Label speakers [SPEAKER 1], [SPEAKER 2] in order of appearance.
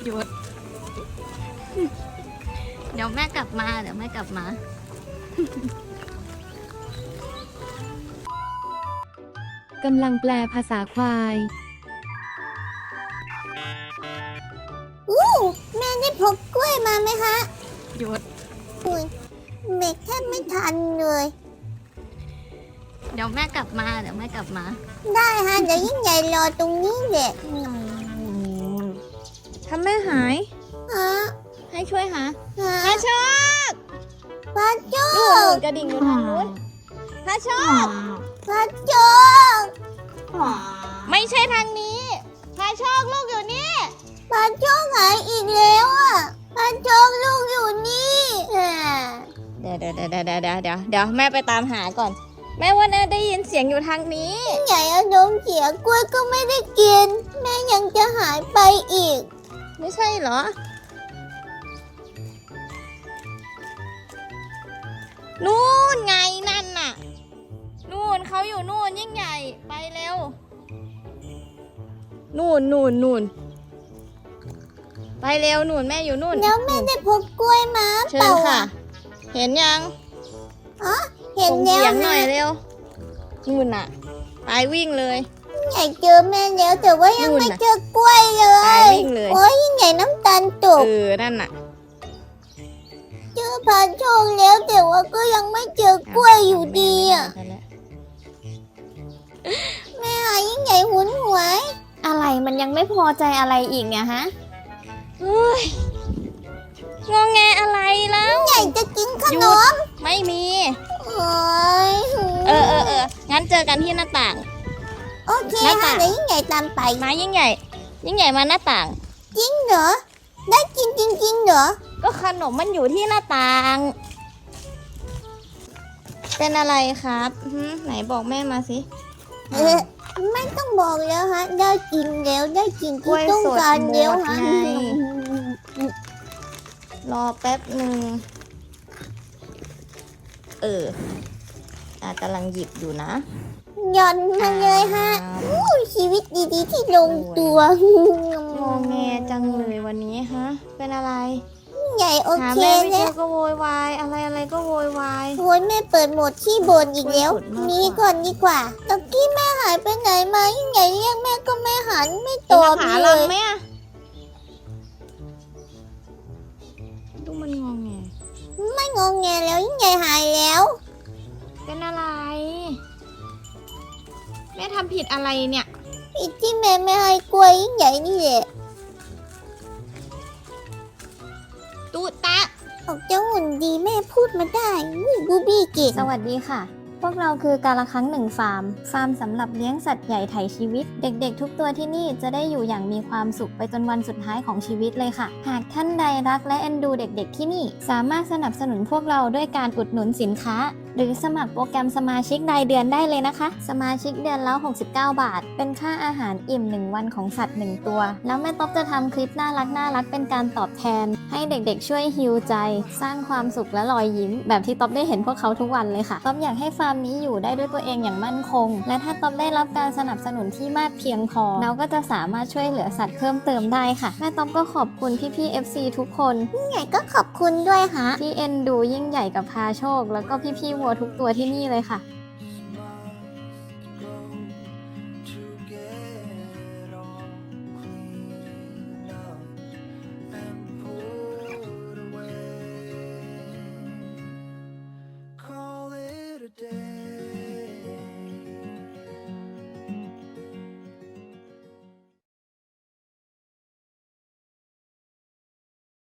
[SPEAKER 1] หยุดเดี๋ยวแม่กลับมา
[SPEAKER 2] กำลังแปลภาษาควาย
[SPEAKER 3] แม่ได้พกกล้วยมาไหมคะ
[SPEAKER 1] หยุด
[SPEAKER 3] อุ้ยเบรกแทบไม่ทันเลย
[SPEAKER 1] เดี๋ยวแม่กลับมา
[SPEAKER 3] ได้ฮะเดี๋ยวยิ่งใหญ่รอตรงนี้แหละ
[SPEAKER 2] ถ้าแม่หาย
[SPEAKER 3] ฮะ
[SPEAKER 2] ให้ช่วยหา
[SPEAKER 3] ฮะ
[SPEAKER 2] พาโชค
[SPEAKER 3] พระโจ
[SPEAKER 2] นู่
[SPEAKER 3] ก
[SPEAKER 2] นกระดิ่งอยู่ทางนู้นพาโชค
[SPEAKER 3] พระโจก
[SPEAKER 2] ไม่ใช่ทางนี้พาโชคลูกอยู่นี่
[SPEAKER 3] พระโจกหายอีกแล้วอ่ะพระโจกลูกอยู่นี่อ่า
[SPEAKER 2] เดี๋ยวแม่ไปตามหาก่อน แม่ว่าแม่ได้ยินเสียงอยู่ทางนี้
[SPEAKER 3] ยิ่งใหญ่อารมณ์เสียกล้วยก็ไม่ได้กิน แม่ยังจะหายไปอีก
[SPEAKER 2] ไม่ใช่เหรอ นู่นไงนั่นน่ะ นู่นเขาอยู่นู่นยิ่งใหญ่ไปเร็ว นู่นไปเร็วนู่นแม่อยู่นู่น
[SPEAKER 3] แล้วแม่ได้พกกล้วยมา
[SPEAKER 2] เชิ
[SPEAKER 3] เป
[SPEAKER 2] ญ
[SPEAKER 3] ล่า
[SPEAKER 2] ค่ะ
[SPEAKER 3] อ่ะ
[SPEAKER 2] เห็นยัง
[SPEAKER 3] เห็น
[SPEAKER 2] ส่ง
[SPEAKER 3] แล้
[SPEAKER 2] เสี
[SPEAKER 3] วย
[SPEAKER 2] งหน่
[SPEAKER 3] นะ
[SPEAKER 2] อยเร็วนู่นน่ะไปวิ่งเลย
[SPEAKER 3] ยิ่งใหญ่เจอแม่แล้วแต่ว่ายัง
[SPEAKER 2] นู่น
[SPEAKER 3] ไม่
[SPEAKER 2] น่ะ
[SPEAKER 3] เจอกล้วยเล
[SPEAKER 2] ไป
[SPEAKER 3] ย
[SPEAKER 2] วิ่งเลย
[SPEAKER 3] โอ้ยยิ่งใหญ่น้ำตาลตก
[SPEAKER 2] นั่นน่ะ
[SPEAKER 3] เจอพระโชคแล้วแต่ว่าก็ยังไม่เจอกล้วยอยู่ดีอ่ะ
[SPEAKER 2] ไปแล้ว
[SPEAKER 3] แม่หายิ่งใหญ่หุนหวย
[SPEAKER 1] อะไรมันยังไม่พอใจอะไรอีกเนี่ยฮะ
[SPEAKER 2] เฮ้ยงอแงอะไรแล้ว
[SPEAKER 3] ยิ่งใหญ่จะกินขนม
[SPEAKER 2] ไม่มี
[SPEAKER 3] โอ้ย
[SPEAKER 2] งั้นเจอกันที่หน้าต่าง
[SPEAKER 3] โอเค
[SPEAKER 2] หน้า
[SPEAKER 3] ค่ะ
[SPEAKER 2] ต่าง
[SPEAKER 3] เดี๋ยวยิ่งใหญ่ตามไป
[SPEAKER 2] มายิ่งใหญ่มาหน้าต่าง
[SPEAKER 3] จริงเหรอได้กินจริงๆเหรอ
[SPEAKER 2] ก็ขนมมันอยู่ที่หน้าต่าง เป็นอะไรครับไหนบอกแม่มาสิ
[SPEAKER 3] ไม่ต้องบอกแล้วฮะได้กินแล้วได้กิน
[SPEAKER 2] กล้
[SPEAKER 3] ที่
[SPEAKER 2] วย
[SPEAKER 3] ต้อง
[SPEAKER 2] สด
[SPEAKER 3] การแล้ว
[SPEAKER 2] หมด
[SPEAKER 3] ฮะ
[SPEAKER 2] ไง รอแป๊บหนึ่งกำลังหยิบอยู่นะ
[SPEAKER 3] หย่อนมาเลยฮะอู้ชีวิตดีๆที่ลงตัว
[SPEAKER 2] งอแงจังเลยวันนี้ฮะ เป็นอะไร
[SPEAKER 3] ใหญ่โอ
[SPEAKER 2] หา
[SPEAKER 3] เค
[SPEAKER 2] แม่ไม่เจ
[SPEAKER 3] แล้
[SPEAKER 2] อ
[SPEAKER 3] ว
[SPEAKER 2] ก็โวยวายอะไรก็โวยวาย
[SPEAKER 3] โอ้ยแม่เปิดโหมดที่บนอีกแล้ว
[SPEAKER 2] สุดมาก
[SPEAKER 3] นี่ก่อนดีกว่าตะกี้แม่หายไปไหนมายิ่งใหญ่เรียกแม่ก็ไม่หันไม่ต
[SPEAKER 2] กิน
[SPEAKER 3] อบ
[SPEAKER 2] อาหาร
[SPEAKER 3] เล
[SPEAKER 2] ลัง
[SPEAKER 3] ย
[SPEAKER 2] ไหมอะดูมันงอแง
[SPEAKER 3] ไม่งงแงแล้วยิ่งใหญ่หายแล้ว
[SPEAKER 2] เป็นอะไร แม่ทำผิดอะไรเนี่ย
[SPEAKER 3] อีกที่แม่ไม่ให้กล้วยยิ่งใหญ่นี่แหละ
[SPEAKER 2] ตูตะ
[SPEAKER 3] ออกจะหุ่นดีแม่พูดมาได้บูบี้เก่ง
[SPEAKER 1] สวัสดีค่ะ พวกเราคือกาละครั้งหนึ่งฟาร์มสำหรับเลี้ยงสัตว์ใหญ่ไถ่ชีวิต เด็กๆ ทุกตัวที่นี่จะได้อยู่อย่างมีความสุขไปจนวันสุดท้ายของชีวิตเลยค่ะ หากท่านใดรักและเอ็นดูเด็กๆที่นี่ สามารถสนับสนุนพวกเราด้วยการอุดหนุนสินค้า หรือสมัครโปรแกรมสมาชิกรายเดือนได้เลยนะคะ สมาชิกเดือนละ69 บาท เป็นค่าอาหารอิ่ม1 วันของสัตว์ 1 ตัว แล้วแม่ต๊อบจะทำคลิปน่ารักเป็นการตอบแทน ให้เด็กๆช่วยฮีลใจ สร้างความสุขและรอยยิ้ม แบบที่ต๊อบได้เห็นพวกเขาทุกวันเลยค่ะต๊อบอยากให้ฟาร์มนี้อยู่ได้ด้วยตัวเองอย่างมั่นคง และถ้าต๊อบได้รับการสนับสนุนที่มากเพียงพอเราก็จะสามารถช่วยเหลือสัตว์เพิ่มเติมได้ค่ะแม่ต๊อบก็ขอบคุณพี่ๆ FC ทุกคน
[SPEAKER 3] ยิ่งใหญ่ก็ขอบคุณด้วยฮะ
[SPEAKER 1] ที่เอ็นดูยิ่งใหญ่กับพาโชค แล้วก็พี่ๆวัวทุกตัวที่นี่เลยค่ะ